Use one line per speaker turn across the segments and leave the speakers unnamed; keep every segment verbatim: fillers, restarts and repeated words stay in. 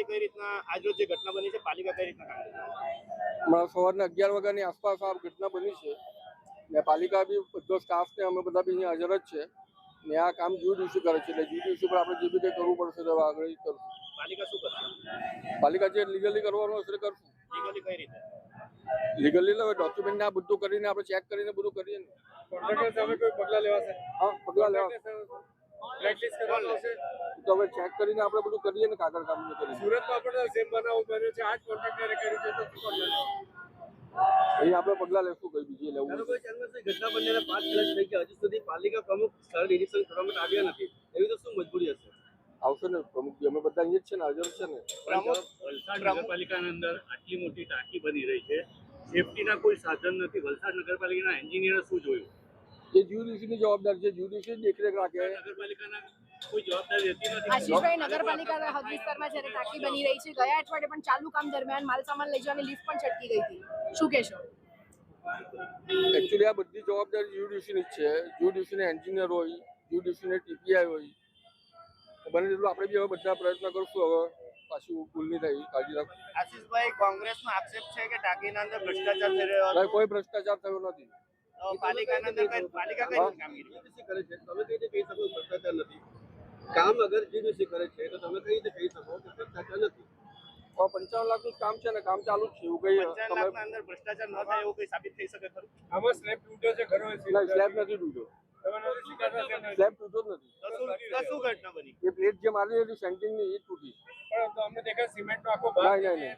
કઈ રીતના આજરોજ જે ઘટના બની છે પાલિકા કઈ રીતના કામ કરે?
હમણાં સવારના અગિયાર વાગ્યાની આસપાસ આ ઘટના બની છે ને પાલિકા બી બધો સ્ટાફ ને અમે બધા બી અહીંયા હાજર જ છે ને આ કામ જ્યુ ડિસ્યુ કરે છે એટલે જ્યુ ડિસ્યુ પર આપણે જે બી કંઈ કરવું પડશે તો આગળ કરશું.
પાલિકા શું કરશે?
પાલિકા જે લીગલી કરવાનું હશે કરશું.
લીગલી કઈ રીતે?
લીગલી હવે ડોક્યુમેન્ટ આ બધું કરીને આપણે ચેક કરીને બધું કરીએ ને.
કોન્ટ્રાક્ટર સામે કોઈ પગલાં લેવાશે?
હા, પગલાં લેવા
બ્લેકલિસ્ટ કરવાનું હશે
તો હવે ચેક કરીને આપણે બધું કરીએ ને કાગળ કામ કરીએ.
સુરતમાં પણ સેમ બનાવ બન્યો છે, આ જ કોન્ટ્રાક્ટરે કર્યું છે તો શું પગલાં લેવા?
અહીં આપણે પગલાં લેશું કઈ બીજી લેવું.
ઘટના બન્યાને પાંચ દિવસ થઈ ગયા હજુ સુધી પાલિકા પ્રમુખ સ્થળ નિરીક્ષણ કરવા માટે આવ્યા નથી, એવી તો શું મજબૂરી હશે?
આવશે ને પ્રમુખ અમે બધા અહીંયા જ છે ને હાજર છે ને.
વલસાડ નગરપાલિકાની અંદર આટલી મોટી ટાંકી બની રહી છે, સેફટીના કોઈ સાધન નથી. વલસાડ નગરપાલિકાના એન્જિનિયર શું જોયું?
એ જ્યુડિશિયલની જવાબદારી છે, જ્યુડિશિયલ દેખરેખ રાખે.
નગરપાલિકાના કોઈ જવાબદારી રહેતી નથી.
આશીષભાઈ, નગરપાલિકાના હદ વિસ્તારમાં જ્યારે ટાંકી બની રહી છે, ગયા અઠવાડિયે પણ ચાલુ કામ દરમિયાન માલ સામાન લઈ જવાની લિફ્ટ પણ છટકી ગઈ હતી, શું કહેશો?
એકચ્યુઅલી આ બધી જવાબદારી જ્યુડિશિયલની જ છે. જ્યુડિશિયલના એન્જિનિયર હોય, જ્યુડિશિયલના ટીપીઆઈ હોય, બને તેટલું આપણે બી હવે બધા પ્રયત્ન કરશું હવે પાછું ભૂલ નહીં થાય કાળજી રાખશું.
આશીષભાઈ, કોંગ્રેસનો આક્ષેપ છે કે ટાંકીના અંદર ભ્રષ્ટાચાર થઈ રહ્યો હતો.
કોઈ ભ્રષ્ટાચાર થયો નથી.
પાલિકાના અંદર કઈ પાલિકા કઈ કામગીરી
કરે છે તમે કઈ રીતે કહી શકો ભ્રષ્ટાચાર નથી? કામ અગર જીડીસી કરે છે તો તમે કઈ રીતે કહી શકો કે ભ્રષ્ટાચાર નથી?
પંચાવન લાખ નું કામ છે ને કામ ચાલુ જ છે એવું કઈ
પંચાવન લાખના અંદર ભ્રષ્ટાચાર ન થાય એવું કઈ સાબિત થઈ શકે ખરું?
આમાં સ્લેબ તૂટ્યો છે ઘરો
સ્લેબ નથી તૂટ્યો. સ્લેબ તૂટ્યો જ નથી.
તો શું તો શું ઘટના બની?
એ પ્લેટ જે મારી હતી સેન્ટિંગ ની એ તૂટી.
પણ તો અમને દેખાય સિમેન્ટ નો આખો
ભાગ નહીં નહીં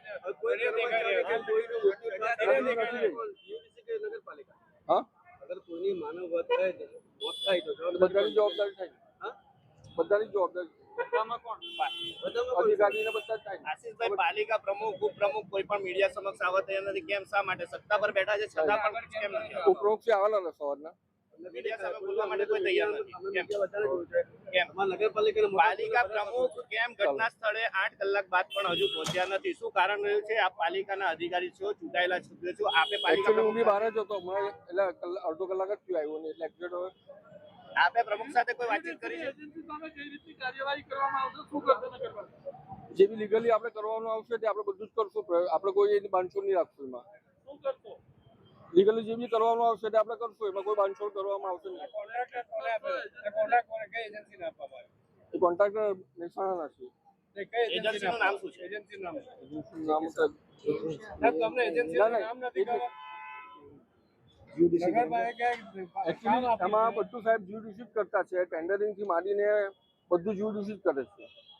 નગરપાલિકા
હા
અગર કોઈની માનવ વધ થાય મોત થાય તો
બધાની જવાબદારી થાય. બધાની જવાબદારી અધિકારીને બધા જ થાય.
આશીષભાઈ, પાલિકા પ્રમુખ ઉપપ્રમુખ કોઈ પણ મીડિયા સમક્ષ આવવા તૈયાર નથી, કેમ? શા માટે? સત્તા પર બેઠા છે છતાં પણ કેમ નથી?
ઉપપ્રમુખ છે આવેલા ને સવારના
મીડિયા સામે બોલવા માટે કોઈ તૈયાર નથી, કેમ? કેમ
નગરપાલિકા
પાલિકા પ્રમુખ કેમ ઘટના સ્થળે આઠ કલાક બાદ પણ હજુ પહોંચ્યા નથી? શું કારણ રહ્યું છે? આપ પાલિકાના અધિકારી છો, ચૂંટાયેલા સભ્યો છો, આપે પાલિકા
હું બી બહાર જ હતો હમણાં એટલે અડધો કલાક જ થયું આવ્યો ને એટલે એક્ઝેક્ટ હવે
આપે પ્રમુખ સાથે કોઈ વાતચીત કરી છે?
જે બી લીગલી આપણે કરવાનું આવશે તે આપણે બધું જ કરશું. આપણે કોઈ એની બાંધછોડ નહીં રાખશું. એમાં લીગલી જે બી કરવાનું આવશે તે આપણે કરશું. એમાં કોઈ બાંધછોડ કરવામાં આવશે નહીં. એ કોન્ટ્રાક્ટર મહેસાણાના છે.
એજન્સીનું નામ શું છે?
એજન્સી નામ
નામ
તમને એજન્સી નામ નથી ખબર?
એમાં બધું સાહેબ જ્યુડિશિયલ કરતા છે. ટેન્ડરિંગ થી માંડીને બધું જ્યુડિશિયલ કરે છે.